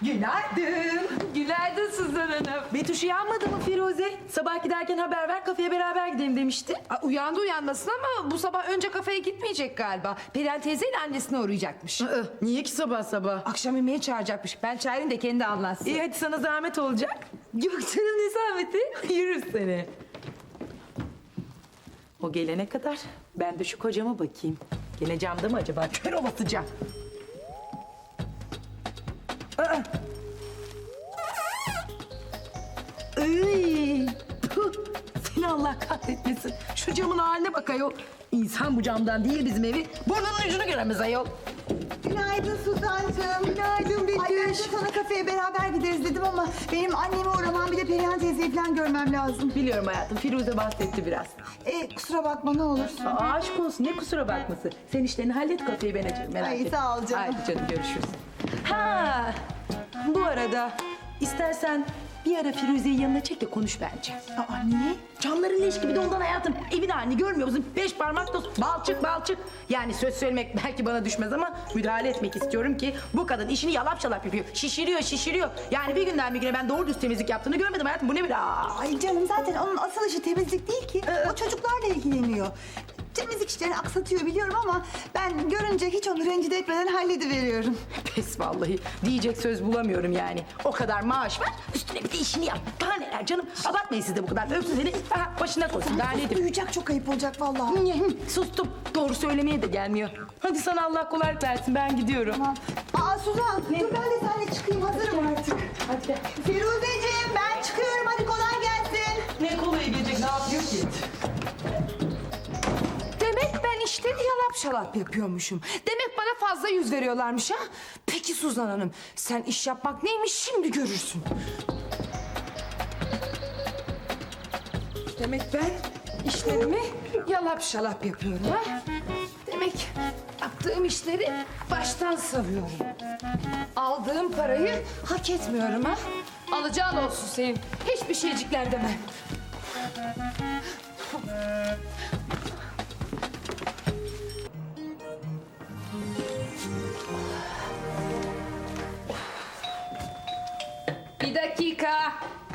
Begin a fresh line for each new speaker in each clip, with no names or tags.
Günaydın.
Günaydın Suzan Hanım.
Betüş uyanmadı mı Firuze? Sabah giderken haber ver, kafeye beraber gidelim demişti.
Uyandı uyanmasın ama bu sabah önce kafeye gitmeyecek galiba. Perihan teyzeyle annesine uğrayacakmış.
Niye ki sabah sabah?
Akşam yemeğe çağıracakmış. Ben çağırayım da kendi anlatsın.
İyi hadi sana zahmet olacak. Yok canım ne zahmeti? Yürür seni. O gelene kadar ben de şu kocama bakayım. Gene camda mı acaba? Kör olasıca. Iy, puh, seni Allah kahretmesin. Şu camın haline bak ayol. İnsan bu camdan değil bizim evi. Burnunun ucunu göremez ayol.
Günaydın Suzan'cığım.
Günaydın Betüş.
Ay ben de sana kafeye beraber gideriz dedim ama benim annemi uğramam bir de Perihan teyzeyi falan görmem lazım.
Biliyorum hayatım. Firuze bahsetti biraz.
Kusura bakma ne olursun.
Aşk olsun ne kusura bakması. Sen işlerini hallet kafeyi ben açarım merak
Ay,
etme.
sağ ol canım.
Haydi canım görüşürüz. Ha, bu arada istersen bir ara Firuze'yi yanına çek de konuş bence.
Aa niye?
Camların leş gibi de ondan hayatım. Evin halini görmüyor musun? 5 parmak toz, balçık balçık. Yani söz söylemek belki bana düşmez ama müdahale etmek istiyorum ki bu kadın işini yalap şalap yapıyor. Şişiriyor şişiriyor. Yani bir günden bir güne ben doğru düz temizlik yaptığını görmedim hayatım. Bu ne bir
Ay canım zaten onun asıl işi temizlik değil ki. O çocuklarla ilgileniyor. Temizlik işlerini aksatıyor biliyorum ama ben görünce hiç onu rencide etmeden hallediveriyorum.
Pes vallahi. Diyecek söz bulamıyorum yani. O kadar maaş ver, üstüne bir de işini yap. Daha neler canım? Abartmayın siz de bu kadar. Öpsün seni, başına koysun. Daha nedir?
Duyacak çok ayıp olacak vallahi.
Sustum. Doğru söylemeye de gelmiyor. Hadi sana Allah kolaylık versin. Ben gidiyorum.
Tamam. Aa Suzan dur ben de seninle çıkayım hazırım artık.
Hadi gel.
Firuzeciğim ben çıkıyorum hadi kolay gelsin.
Ne kolayı gelecek? Ne yapıyor ki?
Demek ben işleri yalap şalap yapıyormuşum. Demek bana fazla yüz veriyorlarmış ha. Peki Suzan Hanım sen iş yapmak neymiş şimdi görürsün. Demek ben işlerimi yalap şalap yapıyorum ha. Demek yaptığım işleri baştan savuyorum. Aldığım parayı hak etmiyorum ha. Alacağın olsun senin. Hiçbir şeycikler demem. Bir dakika.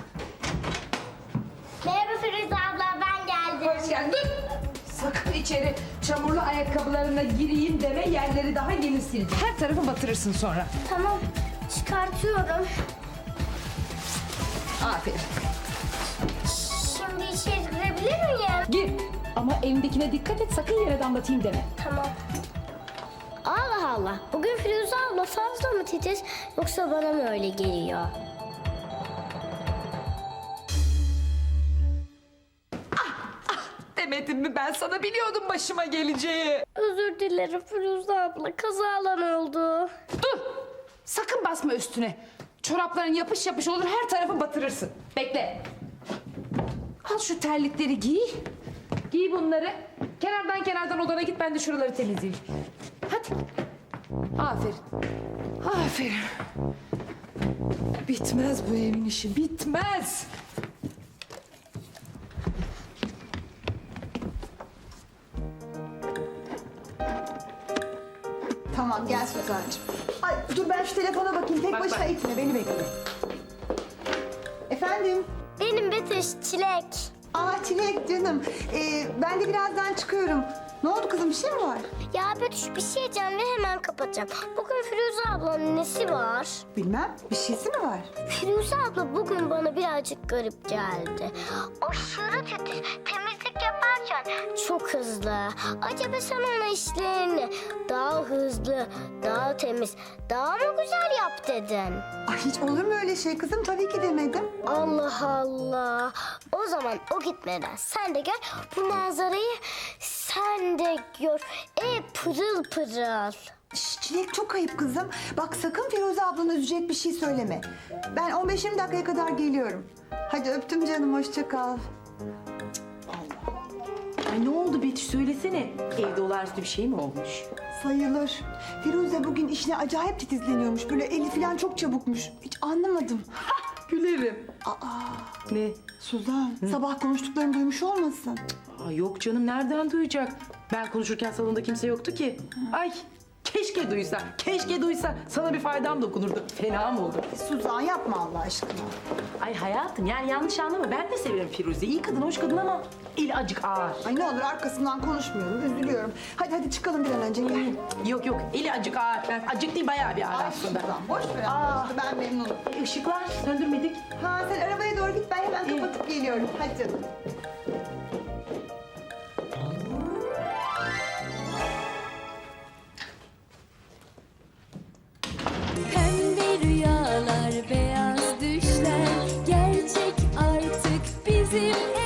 Merhaba Firuze abla, ben geldim.
Hoş geldin. Dur. Sakın içeri çamurlu ayakkabılarına gireyim deme. Yerleri daha yeni sildim. Her tarafı batırırsın sonra.
Tamam, çıkartıyorum.
Aferin.
Şimdi içeri girebilir miyim?
Gir. Ama elindekine dikkat et. Sakın yere damlatayım deme.
Tamam. Allah Allah, bugün Firuze abla fazla mı titiz yoksa bana mı öyle geliyor?
Demedim mi ben sana biliyordum başıma geleceği.
Özür dilerim Firuze abla, kazalan oldu.
Dur. Sakın basma üstüne. Çorapların yapış yapış olur her tarafı batırırsın. Bekle. Al şu terlikleri giy. Giy bunları. Kenardan odana git ben de şuraları temizleyeyim. Hadi. Aferin. Aferin. Bitmez bu evin işi bitmez.
Tamam gel Suzan'cığım. Ay dur ben şu telefona bakayım. Tek
Bak,
başına
bak.
itme beni bekle. Efendim?
Benim Betüş, Çilek.
Aa Çilek canım. Ben de birazdan çıkıyorum. Ne oldu kızım bir şey mi var?
Ya Betüş bir şey diyeceğim ve hemen kapatacağım. Bugün Firuze ablanın nesi var?
Bilmem bir şeysi mi var?
Firuze abla bugün bana birazcık garip geldi. Aşırı titiz, temizlik yaparken çok hızlı. Acaba sen ona işlerini daha hızlı, daha temiz, daha mı güzel yap dedin?
Ay hiç olur mu öyle şey kızım? Tabii ki demedim.
Allah Allah. O zaman o gitmeden sen de gel bu manzarayı sen de gör. Pırıl pırıl.
Şş, Çilek çok ayıp kızım. Bak sakın Firuze ablanı üzecek bir şey söyleme. Ben 15-20 dakikaya kadar geliyorum. Hadi öptüm canım hoşça kal.
Ay ne oldu Betüş söylesene. Evde olağanüstü bir şey mi olmuş?
Sayılır. Firuze bugün işine acayip titizleniyormuş. Böyle eli falan çok çabukmuş. Hiç anlamadım.
Gülerim. Ne?
Suzan sabah konuştuklarını duymuş olmasın?
Yok canım nereden duyacak? Ben konuşurken salonda kimse yoktu ki. Ay Keşke duysa. Sana bir faydam dokunurdu. Fena mı oldu?
Suzan yapma Allah aşkına.
Ay hayatım yani yanlış anlama. Ben de severim Firuze. İyi kadın, hoş kadın ama eli acık ağır.
Ay ne olur arkasından konuşmuyorum, üzülüyorum. Hadi çıkalım bir an önce gel.
Yok eli acık ağır. Ben acık değil bayağı bir ağır
Ay
aslında.
Suzan boş ver Allah aşkına, ben memnunum.
Işıklar söndürmedik.
Ha sen arabaya doğru git, ben hemen kapatıp geliyorum. Hadi canım.
Pembe rüyalar, beyaz düşler gerçek artık bizim